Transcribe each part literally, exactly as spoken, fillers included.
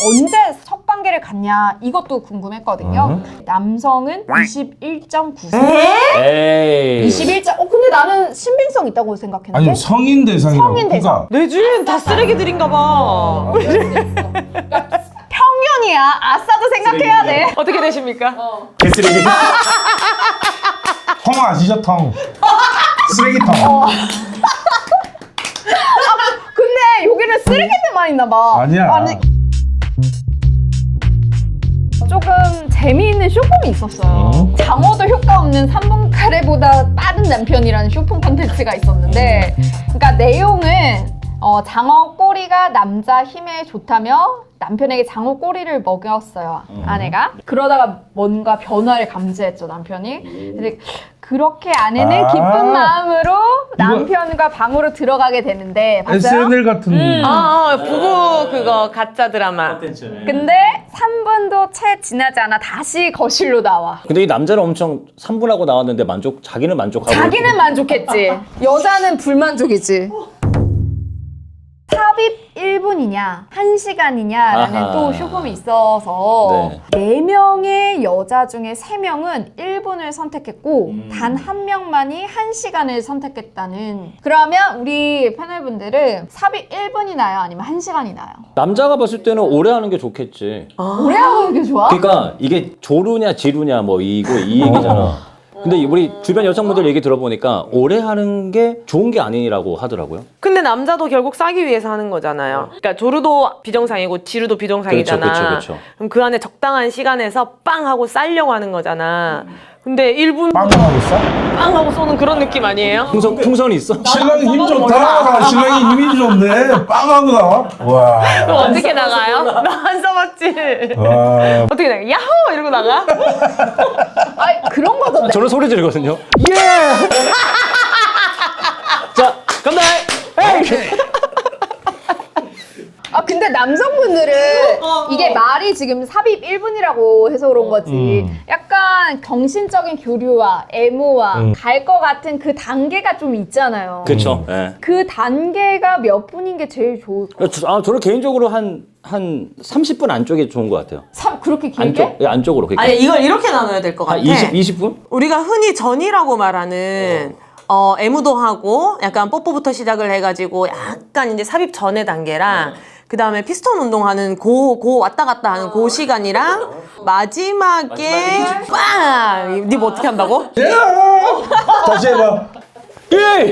언제 첫 관계를 갖냐 이것도 궁금했거든요. 음. 남성은 이십일 점 구 세. 에이. 이십일 점. 어 근데 나는 신빙성 있다고 생각했는데. 아니 성인 대상이라고. 성인 대상. 내 주위엔 다 쓰레기들인가 봐. 평균이야. 아싸도 생각해야 돼. 어떻게 되십니까? 개쓰레기. 통 아시죠 통? 쓰레기통. 근데 여기는 쓰레기들만 있나 봐. 아니야. 아니, 조금 재미있는 쇼폼이 있었어요. 어? 장어도 효과 없는 삼 분 카레보다 빠른 남편이라는 쇼폼 콘텐츠가 있었는데, 그러니까 내용은 어, 장어 꼬리가 남자 힘에 좋다며 남편에게 장어 꼬리를 먹였어요, 아내가. 그러다가 뭔가 변화를 감지했죠, 남편이. 근데 그렇게 아내는 아. 기쁜 마음으로 남편과 방으로 들어가게 되는데, 봤어요? 에스엔엘 같은. 음. 아, 어, 부부 그거 가짜 드라마. 근데 삼 분도 채 지나지 않아 다시 거실로 나와. 근데 이 남자는 엄청 삼 분하고 나왔는데 만족, 자기는 만족하고. 자기는 만족했지. 여자는 불만족이지. 삽입 일 분이냐 한 시간이냐라는 아하. 또 쇼폼이 있어서 네. 네 명의 여자 중에 세 명은 일 분을 선택했고 음. 단 한 명만이 한 시간을 선택했다는. 그러면 우리 패널분들은 삽입 일 분이 나요? 아니면 한 시간이 나요? 남자가 봤을 때는 오래 하는 게 좋겠지. 오래 하는 게 좋아? 그러니까 이게 조루냐 지루냐 뭐 이거 이 얘기잖아. 근데 우리 주변 여성분들 얘기 들어보니까 오래 하는 게 좋은 게 아니라고 하더라고요. 근데 남자도 결국 싸기 위해서 하는 거잖아요. 그러니까 조르도 비정상이고 지루도 비정상이잖아. 그렇죠, 그렇죠, 그렇죠. 그럼 그 안에 적당한 시간에서 빵 하고 싸려고 하는 거잖아. 근데 일 분 빵 하고 있어? 빵 하고 쏘는 그런 느낌 아니에요? 풍선, 풍선이 있어? 신랑이 힘 좋다. 신랑이 힘이 좋네. 빵 하고 나와. 와. 그럼 어떻게 나가요? 나 안 써봤지. 와. 어떻게 나가? 야호! 이러고 나가? 아니 그런 거던데. 저는 소리 지르거든요. 예! 자, 간다! 에이! 아 근데 남성분들은 이게 말이 지금 삽입 일 분이라고 해서 그런 거지. 음. 약간 정신적인 교류와 애무와 음. 갈 것 같은 그 단계가 좀 있잖아요. 그쵸. 예. 그 단계가 몇 분인 게 제일 좋을까? 저- 아, 저는 개인적으로 한, 한 삼십 분 안쪽이 좋은 것 같아요. 참 그렇게 길게? 안쪽, 예, 안쪽으로. 그러니까 아니 이걸 이렇게 나눠야 될 것 같아. 한 이십, 이십 분? 우리가 흔히 전이라고 말하는 어, 애무도 하고 약간 뽀뽀부터 시작을 해가지고 약간 이제 삽입 전의 단계랑 그 다음에 피스톤 운동하는 고, 고 왔다 갔다 하는 그 시간이랑 마지막에 빵! 니 뭐 어떻게 한다고? 다시 해봐. 예!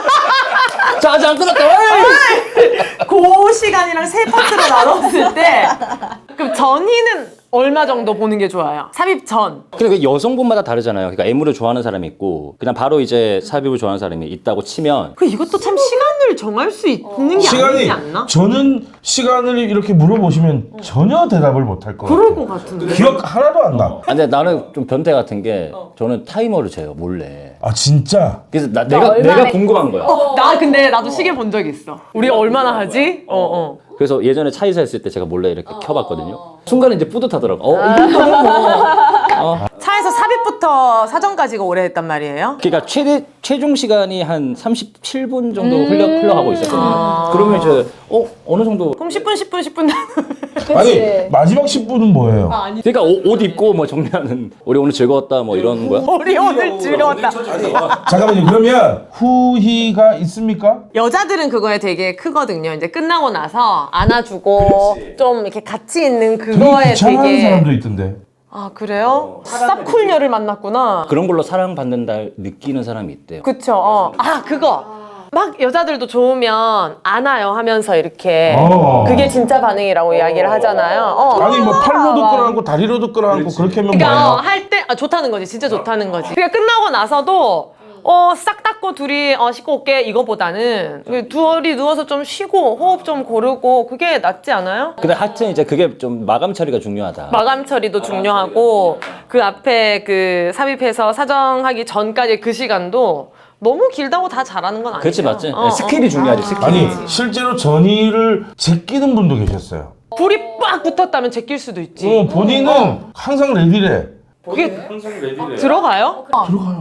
자, 아직 안 끝났다. 에이! 그 시간이랑 세 파트로 나눴을 때 그럼 전이는 얼마 정도 보는 게 좋아요? 삽입 전. 근데 그 여성분마다 다르잖아요. 그러니까 애무를 좋아하는 사람이 있고 그냥 바로 이제 삽입을 좋아하는 사람이 있다고 치면 그 이것도 참 시간을 정할 수 있는 게 시간이 아니지 않나? 저는 시간을 이렇게 물어보시면 전혀 대답을 못 할 것 같아요. 그럴 것 같은데. 기억 하나도 안 나. 아, 근데 나는 좀 변태 같은 게 저는 타이머를 재요 몰래. 아 진짜? 그래서 나, 내가 얼마나 내가 궁금한 거야. 나 근데 나도 시계 본 적 있어. 우리 얼마나 하지? 어 어. 그래서 예전에 차이사 했을 때 제가 몰래 이렇게 켜봤거든요. 순간에 이제 뿌듯하더라고. 어, 이 정도면 뭐. 어. 차에서 삽입부터 사전까지가 오래 했단 말이에요? 그러니까 최대 최종 시간이 한 삼십칠 분 정도 흘러 흘러가고 있었거든요. 그러면 이제 어 어느 정도. 그럼 십 분, 십 분, 십 분 그치? 아니 마지막 십 분은 뭐예요? 그러니까 옷, 옷 입고 뭐 정리하는 우리 오늘 즐거웠다 뭐 이런 거야. 우리 오늘 즐거웠다. 잠깐만요. 그러면 후희가 있습니까? 여자들은 그거에 되게 크거든요. 이제 끝나고 나서 안아주고 좀 이렇게 같이 있는 되게 그거에 귀찮아하는 되게 사람도 있던데. 아 그래요? 쌉쿨녀를 만났구나. 그런 걸로 사랑받는다 느끼는 사람이 있대요. 그쵸. 어. 아 그거. 막 여자들도 좋으면 안아요 하면서 이렇게 어. 그게 진짜 반응이라고 이야기를 하잖아요. 어. 아니 뭐 팔로도 끌어안고 다리로도 끌어안고 그렇게 하면 그러니까 뭐예요? 할 때 아, 좋다는 거지. 진짜 좋다는 거지. 그러니까 끝나고 나서도 어, 싹 닦고 둘이 어, 씻고 올게 이거보다는 둘이 누워서 좀 쉬고 호흡 좀 고르고 그게 낫지 않아요? 근데 하여튼 이제 그게 좀 마감 처리가 중요하다. 마감 처리도 중요하고 그 앞에 그 삽입해서 사정하기 전까지 그 시간도 너무 길다고 다 잘하는 건 아니죠. 그렇지 맞지? 어, 어. 스킬이 중요하지 스킬. 아니 실제로 전이를 제끼는 분도 계셨어요. 불이 빡 붙었다면 제낄 수도 있지. 어, 본인은 항상 레디래. 그게 들어가요? 들어가요.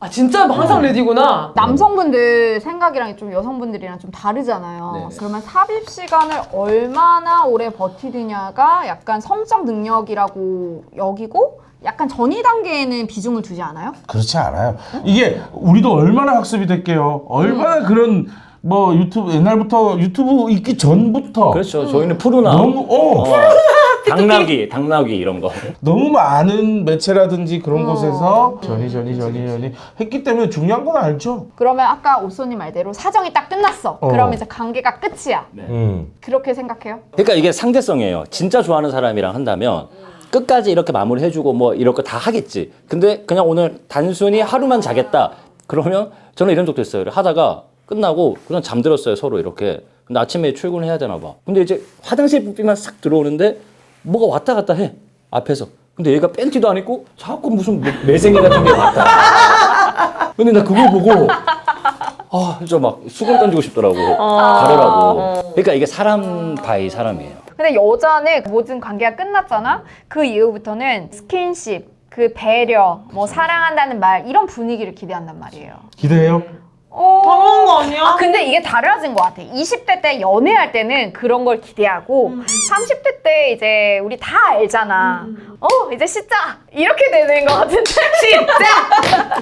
아 진짜 항상 레디구나. 남성분들 생각이랑 좀 여성분들이랑 좀 다르잖아요. 네네. 그러면 삽입 시간을 얼마나 오래 버티느냐가 약간 성적 능력이라고 여기고 약간 전이 단계에는 비중을 두지 않아요? 그렇지 않아요. 이게 우리도 얼마나 학습이 됐게요. 얼마나 그런 뭐 유튜브 옛날부터 유튜브 있기 전부터 그렇죠. 저희는 푸르나, 너무 어, 어, 당나귀, 당나귀 이런 거. 너무 많은 매체라든지 그런 어. 곳에서 전이 전이 전이 전이 했기 때문에 중요한 건 알죠. 그러면 아까 오쏘님 말대로 사정이 딱 끝났어. 어. 그러면 이제 관계가 끝이야. 음. 그렇게 생각해요? 그러니까 이게 상대성이에요. 진짜 좋아하는 사람이랑 한다면 끝까지 이렇게 마무리해주고 뭐 이럴 거 다 하겠지. 근데 그냥 오늘 단순히 하루만 자겠다. 그러면 저는 이런 적도 있어요. 하다가 끝나고 그냥 잠들었어요, 서로 이렇게. 근데 아침에 출근을 해야 되나 봐. 근데 이제 화장실 붓비만 싹 들어오는데 뭐가 왔다 갔다 해, 앞에서. 근데 얘가 팬티도 안 입고 자꾸 무슨 뭐 매생이 같은 게 왔다. 근데 나 그걸 보고 아, 진짜 막 수건 던지고 싶더라고. 가려라고. 그러니까 이게 사람 바이 사람이에요. 근데 여자는 모든 관계가 끝났잖아? 그 이후부터는 스킨십, 그 배려, 뭐 사랑한다는 말 이런 분위기를 기대한단 말이에요. 기대해요? 어... 당연한 거 아니야? 아, 근데 이게 달라진 것 같아. 이십 대 때 연애할 때는 그런 걸 기대하고 삼십 대 때 이제 우리 다 알잖아. 어, 이제 씻자. 이렇게 되는 것 같은데. 씻자!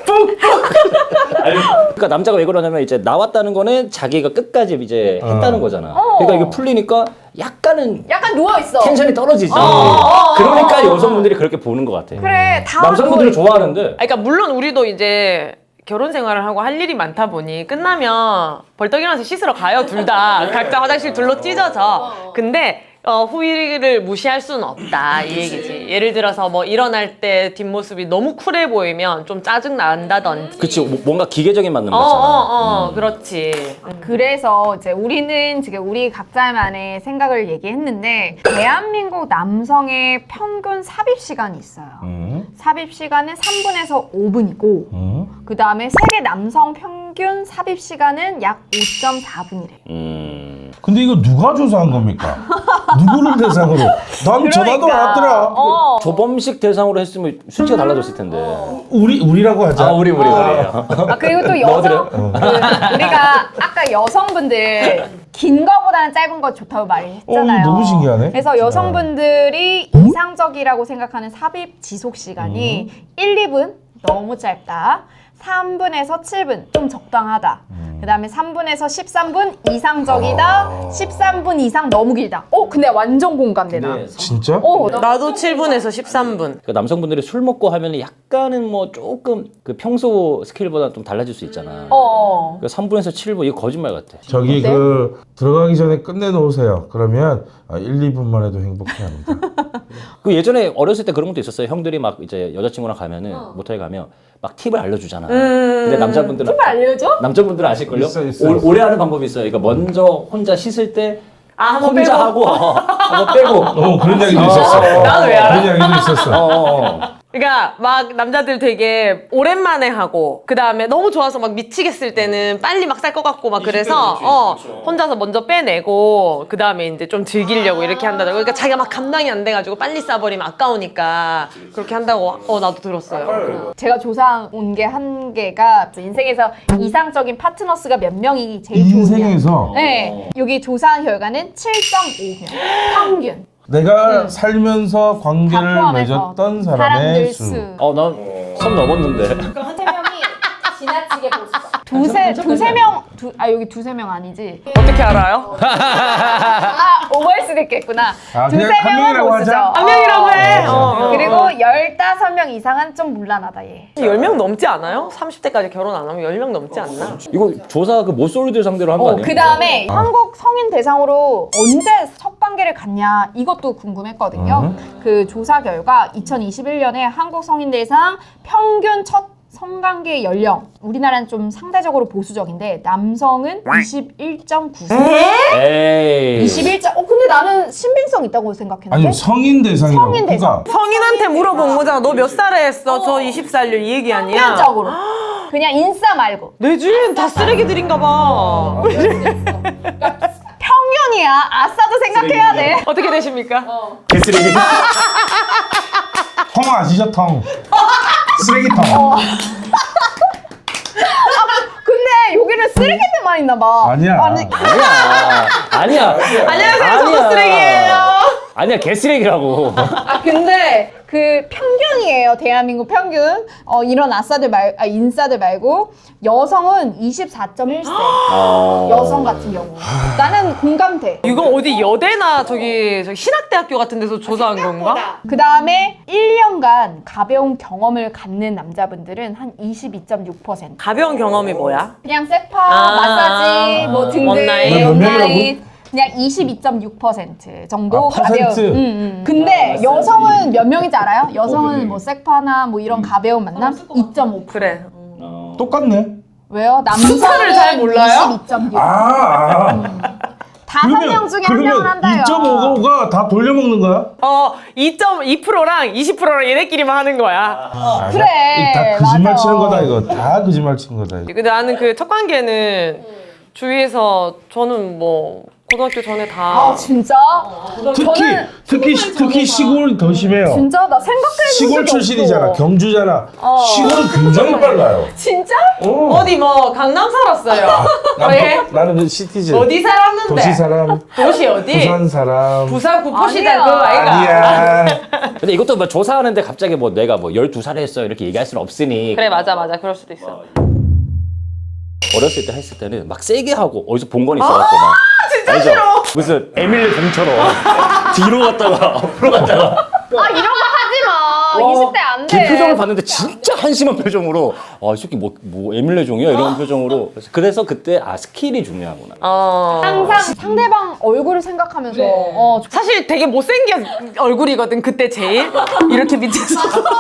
아니, 그러니까 남자가 왜 그러냐면 이제 나왔다는 거는 자기가 끝까지 이제 했다는 거잖아. 어. 그러니까 이게 풀리니까 약간은 약간 누워있어. 텐션이 떨어지지. 어. 그러니까 여성분들이 그렇게 보는 것 같아. 그래, 다 남성분들은 누워- 좋아하는데. 아니, 그러니까 물론 우리도 이제 결혼 생활을 하고 할 일이 많다 보니 끝나면 벌떡 일어나서 씻으러 가요, 둘 다. 각자 화장실 둘로 찢어져. 근데 어, 후일을 무시할 수는 없다, 이 얘기지. 예를 들어서 뭐 일어날 때 뒷모습이 너무 쿨해 보이면 좀 짜증 난다든지. 그치, 뭐- 뭔가 기계적인 맞는 어, 거잖아. 어, 어, 그렇지. 그래서 이제 우리는 지금 우리 각자만의 생각을 얘기했는데 대한민국 남성의 평균 삽입 시간이 있어요. 음. 삽입 시간은 삼 분에서 오 분이고 음. 그 다음에 세계 남성 평균 삽입 시간은 약 오 점 사 분이래. 음. 근데 이거 누가 조사한 겁니까? 누구를 대상으로? 난 전화도 안 왔더라. 어. 조범식 대상으로 했으면 수치가 달라졌을 텐데. 우리 우리라고 하자. 아, 우리, 우리, 우리예요. 아 그리고 또 넣어드려요? 여성 그 우리가 아까 여성분들 긴 거보다는 짧은 거 좋다고 말했잖아요. 어, 너무 신기하네. 그래서 여성분들이 이상적이라고 생각하는 삽입 지속 시간이 일, 이 분 너무 짧다. 삼 분에서 칠 분 좀 적당하다. 그 다음에 삼 분에서 십삼 분 이상적이다. 십삼 분 이상 너무 길다. 어 근데 완전 공감돼 나. 네. 진짜? 어, 나도 칠 분에서 십삼 분. 그 남성분들이 술 먹고 하면 약간은 뭐 조금 그 평소 스킬보다 좀 달라질 수 있잖아. 어. 그 삼 분에서 칠 분, 이거 거짓말 같아. 저기 네? 그 들어가기 전에 끝내놓으세요. 그러면 아, 일, 이 분만 해도 행복해합니다. 그 예전에 어렸을 때 그런 것도 있었어요. 형들이 막 이제 여자친구랑 가면은 모텔 가면 막 팁을 알려주잖아. 근데 남자분들은 팁을 알려줘? 남자분들은 아실걸요? 있어, 있어. 오, 오래 하는 방법이 있어요. 그러니까 먼저 혼자 씻을 때 아, 한번 혼자 빼고. 하고 어, 한번 빼고. 어 그런 이야기도 있었어. 나도 왜 알아? 그런 이야기도 있었어. 어, 어, 어. 그러니까 막 남자들 되게 오랜만에 하고 그 다음에 너무 좋아서 막 미치겠을 때는 빨리 막 쌀 것 같고 막 그래서 어 혼자서 먼저 빼내고 그 다음에 이제 좀 즐기려고 이렇게 한다고. 그러니까 자기가 막 감당이 안 돼가지고 빨리 싸버리면 아까우니까 그렇게 한다고. 어 나도 들었어요. 제가 조사 온 게 한 개가 인생에서 이상적인 파트너스가 몇 명이 제일 좋으냐. 인생에서 네, 여기 조사한 결과는 칠 점 오 명 평균. 내가 살면서 다 관계를 포함해서 맺었던 사람의 사람들 수. 수. 어, 난 선 넘었는데. 세 명이 지나치게 보시죠. 두세 두세 명, 두, 아 여기 두세 명 아니지? 어떻게 알아요? 아 오버할 수도 있겠구나. 아, 두세 그냥 한 명은 명이라고 보시죠. 하자. 한 명이라고 해. 어, 어, 어, 그리고 열다섯 명 이상은 좀 문란하다 얘. 열 명 넘지 않아요? 삼십 대까지 결혼 안 하면 열 명 넘지 않나? 이거 조사 그 모쏠들 상대로 한 거 어, 아니야? 그 다음에 한국 성인 대상으로 언제 첫 관계를 갖냐 이것도 궁금했거든요. 그 조사 결과 이천이십일 년에 한국 성인 대상 평균 첫 성관계 연령 우리나라는 좀 상대적으로 보수적인데 남성은 이십일 점 구 세. 에이. 이십일 점. 어 근데 나는 신빙성 있다고 생각했는데. 아니 성인 대상이라고. 성인 대상. 그러니까 성인한테 물어본 거잖아. 너 몇 살에 했어? 저 이십 살요 이 얘기 아니야? 평균적으로. 그냥 인싸 말고. 내 주위엔 다 쓰레기들인가 봐. 평균이야. 아싸도 생각해야 돼. 어떻게 되십니까? 개쓰레기. 통 아시죠 통? 쓰레기통. 근데 여기는 쓰레기들만 있나 봐. 아니야. 아니, 아니야. 아니야. 안녕하세요, 저도 쓰레기예요. 아니야, 개쓰레기라고. 아 근데 그 평균이에요. 대한민국 평균. 어, 이런 아싸들 말, 아, 인싸들 말고 여성은 이십사 점 일 세. 어. 여성 같은 경우. 나는 공감돼. 이거 어디 여대나 저기, 저기 신학대학교 같은 데서 조사한 건가? 그 다음에 일 년간 가벼운 경험을 갖는 남자분들은 한 이십이 점 육 퍼센트. 가벼운 경험이 뭐야? 그냥 세파, 아, 마사지, 뭐 등등. 원나잇. 몇 명이라고? 원나잇. 그냥 이십이 점 육 퍼센트 정도 아, 가벼운. 퍼센트? 음, 음. 근데 여성은 몇 명인지 알아요? 여성은 뭐 섹파나 뭐 이런 가벼운 만남 이 점 오 퍼센트. 그래. 똑같네. 왜요? 남자는 숫자를 잘 몰라요? 이십이 점 육. 아, 아. 다섯 명 중에 한 명은 한다요. 이 점 오가 다 돌려먹는 거야? 어, 이 점 이 퍼센트랑 이십 퍼센트랑 얘네끼리만 하는 거야. 아, 그래, 다 거짓말 맞아. 치는 거다 이거. 다 거짓말 치는 거다. 이거. 근데 나는 그 첫 관계는 주위에서 저는 뭐 고등학교 전에 다 아 진짜? 특히 저는 특히 시- 특히 시골이 더 심해요. 진짜 나 생각해본 시골 적이 출신이잖아. 없어. 경주잖아. 어. 시골은 굉장히 빨라요. 진짜? 어. 어디 뭐 강남 살았어요. 난, 왜? 나는 그 시티즌. 어디 살았는데? 도시 사람, 도시 어디? 부산 사람. 부산 구포시대 아니야. 그거 아이가? 아니야. 근데 이것도 뭐 조사하는데 갑자기 뭐 내가 뭐 열두 살에 했어 이렇게 얘기할 수는 없으니 그래 맞아 맞아 그럴 수도 있어. 어렸을 때 했을 때는 막 세게 하고 어디서 본 건 있어갖고 막 진짜 알죠? 싫어. 무슨 에밀리 종처럼 뒤로 갔다가 앞으로 갔다가 아 이런 거 하지 마. 이십 대 안 돼. 걔 표정을 봤는데 진짜 한심한 표정으로 아 이 새끼 뭐, 뭐 에밀리 종이야 이런 표정으로 그래서, 그래서 그때 아 스킬이 중요하구나. 어. 항상 상대방 얼굴을 생각하면서 어, 사실 되게 못생긴 얼굴이거든 그때 제일 이렇게 밑에서.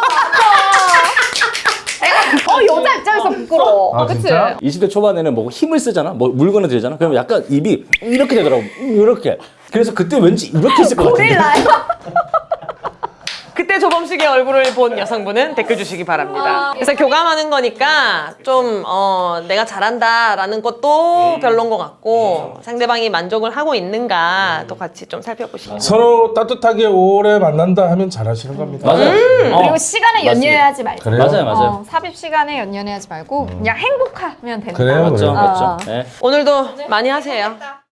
어 여자 입장에서 부끄러워. 아, 그치? 진짜? 이십 대 초반에는 뭐 힘을 쓰잖아, 뭐 물건을 들잖아. 그러면 약간 입이 이렇게 되더라고, 이렇게. 그래서 그때 왠지 이렇게 있을 것 같은데. 고릴라야. 그때 조범식의 얼굴을 본 여성분은 댓글 주시기 바랍니다. 그래서 교감하는 거니까 좀 어, 내가 잘한다라는 것도 별론 것 같고 상대방이 만족을 하고 있는가 또 같이 좀 살펴보시면. 서로 따뜻하게 오래 만난다 하면 잘하시는 겁니다. 맞아요. 어, 그리고 시간에 맞습니다. 연연하지 말고. 그래요? 맞아요, 맞아요. 어, 삽입 시간에 연연하지 말고 그냥 행복하면 된다. 그래요, 맞죠, 그래요. 맞죠. 어. 네. 오늘도 많이 하세요.